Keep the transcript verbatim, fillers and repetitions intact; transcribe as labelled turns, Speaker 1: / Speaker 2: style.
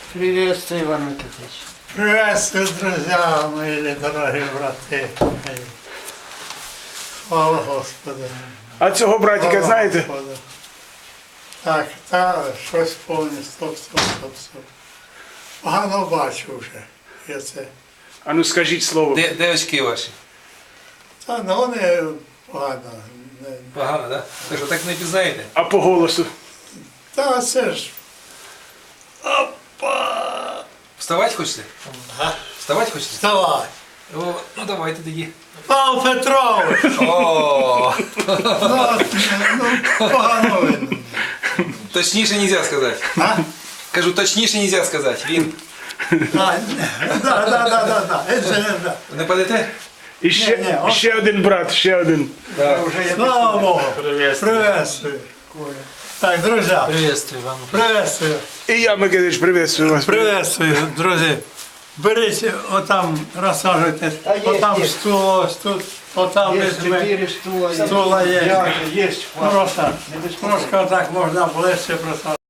Speaker 1: Приветствую, Иван Никитич.
Speaker 2: Приветствую, друзья мои, дорогі брати. Слава Господу.
Speaker 3: А цього братика
Speaker 2: Слава
Speaker 3: знаєте?
Speaker 2: Господу. Так, та щось повне, стоп, стоп, стоп, стоп. Погано бачу вже. Я це.
Speaker 3: А ну скажіть слово.
Speaker 4: Де, де очки ваші?
Speaker 2: Та ну вони погано. Не-
Speaker 4: Погано, так? Так що так не пізнаєте?
Speaker 3: А по голосу?
Speaker 2: Та це ж.
Speaker 4: Вставати хочете?
Speaker 2: Ага.
Speaker 4: Вставати хочете?
Speaker 2: Вставай.
Speaker 4: О, ну давайте тоді.
Speaker 2: Павло Петрович!
Speaker 4: О,
Speaker 2: Ну, ну погано видно.
Speaker 4: точніше нельзя сказати.
Speaker 2: А?
Speaker 4: Кажу, точніше нельзя сказати. Він.
Speaker 2: А, да, да, да, да, да. Це, да.
Speaker 4: Не падете?
Speaker 3: І ще,
Speaker 2: Ні, ні, он-
Speaker 3: ще один брат, ще один.
Speaker 4: Так.
Speaker 2: Слава Богу. Приветствую. Так, друзья.
Speaker 1: Приветствую, Иван.
Speaker 2: Приветствую.
Speaker 3: І я, Микитич, приветствую вас.
Speaker 2: Приветствую, друзі. Беріть, отам розсаджуйтесь,
Speaker 1: Та є,
Speaker 2: отам
Speaker 1: є.
Speaker 2: стул, ось тут, отам
Speaker 1: Есть
Speaker 2: візьми.
Speaker 1: четыре стула.
Speaker 2: Стула є.
Speaker 1: Пять, есть.
Speaker 2: Просто,
Speaker 1: Не без
Speaker 2: трошки отак можна ближче просадити.